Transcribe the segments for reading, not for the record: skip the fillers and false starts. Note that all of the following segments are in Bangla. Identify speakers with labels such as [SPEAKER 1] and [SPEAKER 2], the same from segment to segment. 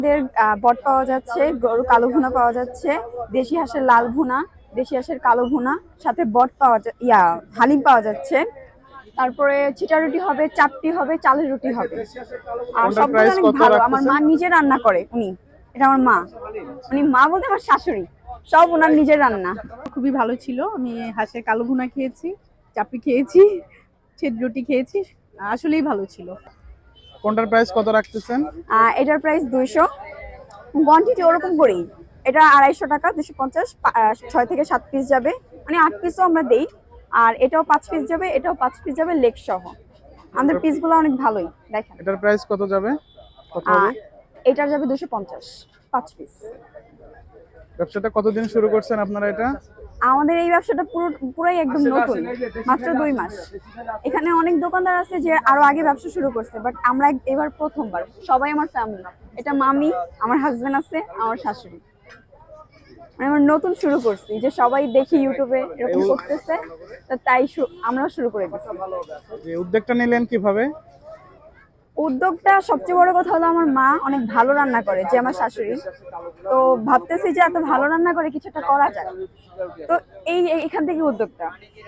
[SPEAKER 1] বট পাওয়া যাচ্ছে, গরু কালো ভুনা পাওয়া যাচ্ছে, দেশি হাঁসের লাল ভুনা, দেশি হাঁসের কালো ভুনা, সাথে বট পাওয়া হালিম পাওয়া যাচ্ছে। তারপরে চিটা রুটি হবে, চাপটি হবে, চালের রুটি হবে। আর
[SPEAKER 2] কোনটার
[SPEAKER 1] সবগুলো
[SPEAKER 2] প্রাইস
[SPEAKER 1] অনেক
[SPEAKER 2] কত
[SPEAKER 1] ভালো। আমার
[SPEAKER 2] রাখতেছেন?
[SPEAKER 1] মা নিজে রান্না করে। এটা আমার মা, মা বলতে আমার শাশুড়ি, সব ওনার নিজের রান্না।
[SPEAKER 3] খুবই ভালো ছিল। আমি হাঁসের কালো ভুনা খেয়েছি, চাপড়ি খেয়েছি, ছেদ রুটি খেয়েছি, আসলেই ভালো ছিল।
[SPEAKER 2] কোনটার প্রাইস কত রাখতেছেন?
[SPEAKER 1] এটার প্রাইস 200, কোয়ান্টিটি ওরকম করেই। এটা 250 টাকা, 250, 6 থেকে 7 পিস যাবে, মানে 8 পিসও আমরা দেই। আর এটাও 5 পিস যাবে, এটাও 5 পিস যাবে, লেগ সহ। আমাদের পিসগুলো অনেক ভালোই, দেখেন।
[SPEAKER 2] এটার প্রাইস কত যাবে? কত হবে?
[SPEAKER 1] এটার যাবে 250, 5 পিস।
[SPEAKER 2] ব্যবসাটা কতদিন শুরু করছেন আপনারা এটা?
[SPEAKER 1] আমাদের এই ব্যবসাটা পুরাই একদম নতুন, মাত্র 2 মাস। এখানে অনেক দোকানদার আছে যে আরো আগে ব্যবসা শুরু করছে, বাট আমরা এবার প্রথমবার। সবাই আমার ফ্যামিলি, এটা মামি, আমার হাজবেন্ড আছে, আমার শাশুড়ি। মানে আমরা নতুন শুরু করছি, যে সবাই দেখি ইউটিউবে এরকম করতেছে, তো তাই আমরাও শুরু করে দিচ্ছি।
[SPEAKER 2] এই উদ্যোগটা নিলেন কিভাবে?
[SPEAKER 1] উদ্যোগটা সবচেয়ে বড় কথা হলো আমার মা অনেক ভালো রান্না করে, যে আমার শাশুড়ি। তো ভাবতেছি যে এত ভালো রান্না করে কিছু একটা করা যায়, তো এখান থেকে উদ্যোগটা।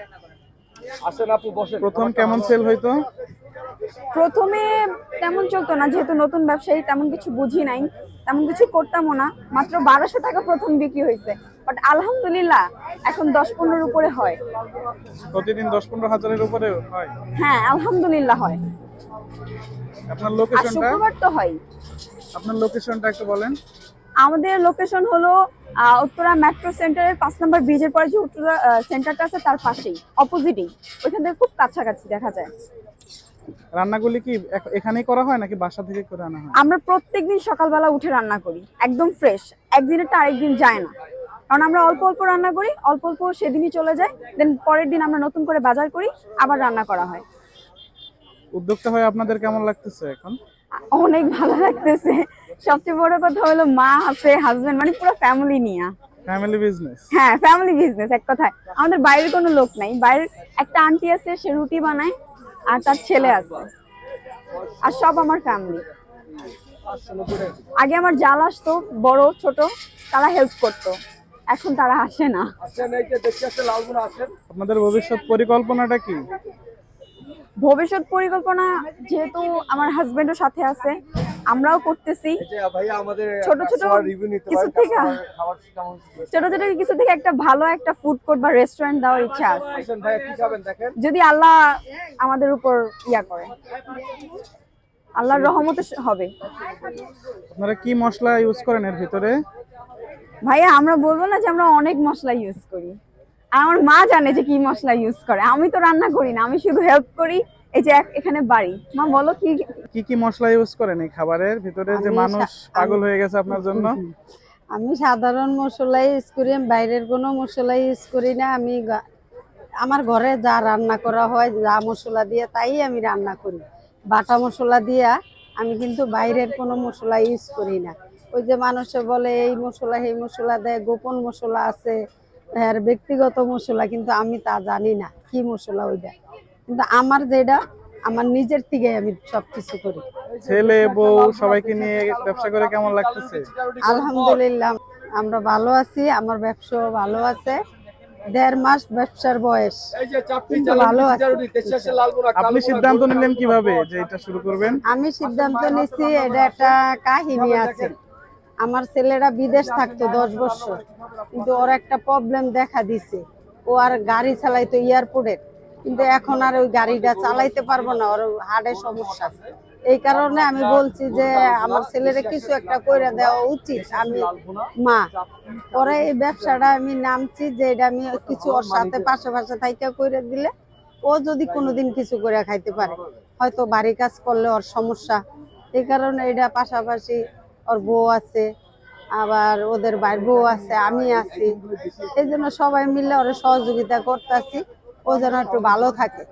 [SPEAKER 2] প্রথম কেমন সেল হইতো?
[SPEAKER 1] প্রথমে তেমন চলতো না, যেহেতু নতুন ব্যবসায়ী, তেমন কিছু বুঝি নাই, তেমন কিছু করতামও না। মাত্র 1200 টাকা প্রথম বিক্রি হয়েছে, বাট আলহামদুলিল্লাহ এখন 10-15 উপরে হয়।
[SPEAKER 2] প্রতিদিন 10-15 হাজারের উপরে হয়?
[SPEAKER 1] হ্যাঁ, আলহামদুলিল্লাহ হয়।
[SPEAKER 2] আপনার
[SPEAKER 1] আর
[SPEAKER 2] লোকেশনটা?
[SPEAKER 1] শুক্রবার তো হয়।
[SPEAKER 2] আপনার লোকেশনটা একটু বলেন।
[SPEAKER 1] আমাদের লোকেশন হলো উত্তরা মেট্রো সেন্টারের 5 নম্বর ব্রিজের পরে যে উত্তরা সেন্টারটা আছে, তার পাশেই, অপোজিটেই। ওইখান থেকে খুব কাছাকাছি দেখা যায়।
[SPEAKER 2] রান্নাগুলি কি এখানেই করা হয় নাকি বাসা থেকে করে আনা হয়?
[SPEAKER 1] আমরা প্রত্যেকদিন সকালবেলা উঠে রান্না করি, একদম ফ্রেশ। একদিনেরটা আরেকদিন যায় না, কারণ আমরা অল্প অল্প রান্না করি, অল্প অল্প সেদিনই চলে যায়, দেন পরের দিন আমরা নতুন করে বাজার করি, আবার রান্না করা হয়।
[SPEAKER 2] উদ্যোগটা হয়ে আপনাদের কেমন লাগতেছে এখন?
[SPEAKER 1] অনেক ভালো লাগতেছে। সবচেয়ে বড় কথা হলো মা আছে, হাজবেন্ড, মানে পুরো ফ্যামিলি নিয়ে।
[SPEAKER 2] Family business?
[SPEAKER 1] হ্যাঁ, ফ্যামিলি বিজনেস এক কথায়। আমাদের বাইরের কোনো লোক নাই। বাইরের একটা আন্টি আছে, সে রুটি বানায়, আর তার ছেলে আছে, আর সব আমার ফ্যামিলি। আগে আমার জাল আসতো, বড় ছোট, তারা হেল্প করতো, এখন তারা আসে না।
[SPEAKER 2] আপনাদের ভবিষ্যৎ পরিকল্পনাটা কি?
[SPEAKER 1] ভবিষ্যৎ পরিকল্পনা, যেহেতু আমার হাজবেন্ডও সাথে আছে, আমরাও করতেছি। ছোট ছোট কিছু থেকে একটা ভালো একটা ফুড কোর্ট বা রেস্টুরেন্ট দেওয়ার ইচ্ছা আছে, যদি আল্লাহ আমাদের উপর করে। আল্লাহর রহমতে হবে।
[SPEAKER 2] আপনারা কি মশলা ইউজ করেন এর ভিতরে?
[SPEAKER 1] ভাইয়া, আমরা বলবো না যে আমরা অনেক মশলা ইউজ করি। আমার মা জানে যে কি মশলা ইউজ করে, আমি তো রান্না করি না, আমি শুধু হেল্প করি। এই যে এখানে বাড়ি। মা বলো কি
[SPEAKER 2] কি কি মশলা ইউজ করেন এই খাবারের ভিতরে, যে মানুষ পাগল হয়ে গেছে আপনার জন্য?
[SPEAKER 4] আমি সাধারণ মশলা ইউজ করি, বাইরের কোনো মশলা ইউজ করি না। আমি আমার ঘরে যা রান্না করা হয়, যা মশলা দিয়ে, তাই আমি রান্না করি। বাটা মশলা দিয়া আমি কিন্তু বাইরের কোনো মশলা ইউজ করি না। ওই যে মানুষে বলে এই মশলা এই মশলা দেয়, গোপন মশলা আছে, আর ব্যক্তিগত মশলা, কিন্তু আমি তা জানি না কি মশলা ওইটা। কিন্তু আমার যেটা, আমার নিজের থেকে আমি সবকিছু করি।
[SPEAKER 2] ছেলে বউ সবাইকে নিয়ে ব্যবসা করে কেমন লাগতেছে?
[SPEAKER 4] আলহামদুলিল্লাহ, আমরা ভালো আছি। আমার ব্যবসাও ভালো আছে। 1.5 মাস ব্যবসার বয়স, কিন্তু ভালো আছে।
[SPEAKER 2] আপনি সিদ্ধান্ত নিলেন কিভাবে যে এটা শুরু করবেন?
[SPEAKER 4] আমি সিদ্ধান্ত নিচ্ছি, এটা একটা কাহিনী আছে। আমার ছেলেরা বিদেশ থাকতো 10 বছর, কিন্তু ওর একটা প্রবলেম দেখা দিছে। ও আর গাড়ি চালাইতো এয়ারপোর্টে, কিন্তু এখন আর ওই গাড়িটা চালাইতে পারবো না, ওর হার্টের সমস্যা। এই কারণে আমি বলছি যে আমার ছেলেরা কিছু একটা করে দেওয়া উচিত। আমি মা, পরে এই ব্যবসাটা আমি নামছি যে এটা আমি কিছু ওর সাথে পাশে থাইকা করে দিলে, ও যদি কোনোদিন কিছু করে খাইতে পারে, হয়তো বাড়ি কাজ করলে ওর সমস্যা। এই কারণে এটা পাশাপাশি ওর বউ আছে, আবার ওদের ভাই বউ আছে, আমি আছি। এই জন্য সবাই মিলে ওরা সহযোগিতা করতেছি, ও যেন একটু ভালো থাকে।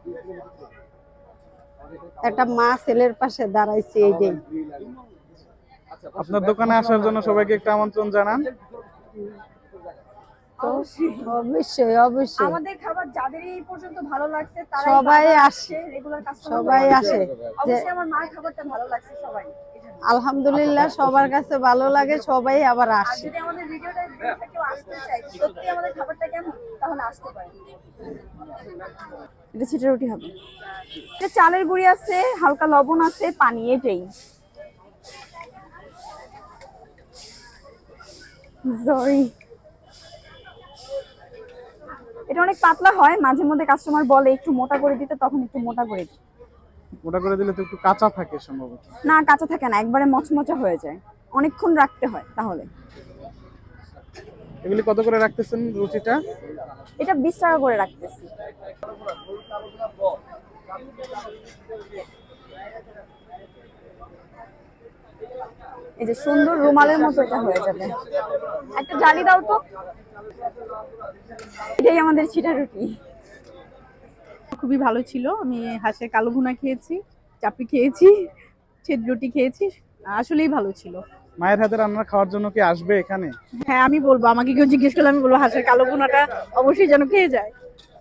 [SPEAKER 4] একটা মা ছেলের পাশে দাঁড়াইছি, এইটাই।
[SPEAKER 2] আপনার দোকানে আসার জন্য সবাইকে একটা আমন্ত্রণ জানান।
[SPEAKER 4] অবশ্যই অবশ্যই,
[SPEAKER 1] আমাদের খাবার যাদের এই পর্যন্ত ভালো লাগছে
[SPEAKER 4] সবাই আসে,
[SPEAKER 1] রেগুলার কাস্টমার
[SPEAKER 4] সবাই আসে।
[SPEAKER 1] অবশ্যই আমার মার খাবারটা ভালো লাগছে সবাই।
[SPEAKER 4] আলহামদুলিল্লাহ সবার কাছে ভালো লাগে, সবাই আবার আসে।
[SPEAKER 1] যদি আমাদের ভিডিওটা দেখে কেউ আসতে চায় সত্যি আমাদের খাবারটা কেমন তাহলে আসতে পারে। এটা ছিটা রুটি হবে, এটা চালের গুঁড়ি আছে, হালকা লবণ আছে, পানি, এটাই। সরি, এটা অনেক পাতলা হয়, মাঝে মধ্যে কাস্টমার বলে একটু মোটা করে দিতে, তখন একটু মোটা করে দিই।
[SPEAKER 2] ওটা করে দিলে তো একটু কাঁচা থাকে সম্ভবত।
[SPEAKER 1] না, কাঁচা থাকে না, একবারে মচমচা হয়ে যায়, অনেকক্ষণ রাখতে হয় তাহলে।
[SPEAKER 2] এগুলি কত করে রাখতেছেন রুটিটা?
[SPEAKER 1] এটা 20 টাকা করে রাখতেছি। এই যে সুন্দর রুমালের মতো এটা হয়ে যাবে। একটা জালি দাও তো। এটাই আমাদের ছিটা রুটি।
[SPEAKER 3] খুবই ভালো ছিল। আমি হাঁসের কালো ভুনা খেয়েছি, চাপড়ি খেয়েছি, ছেদ রুটি খেয়েছি, আসলেই ভালো ছিল।
[SPEAKER 2] মায়ের হাতে রান্না খাওয়ার জন্য কি আসবে এখানে?
[SPEAKER 3] হ্যাঁ, আমি বলবো, আমাকে কেউ জিজ্ঞেস করলে আমি বলবো হাঁসের কালো ভুনাটা অবশ্যই যেন খেয়ে যায়।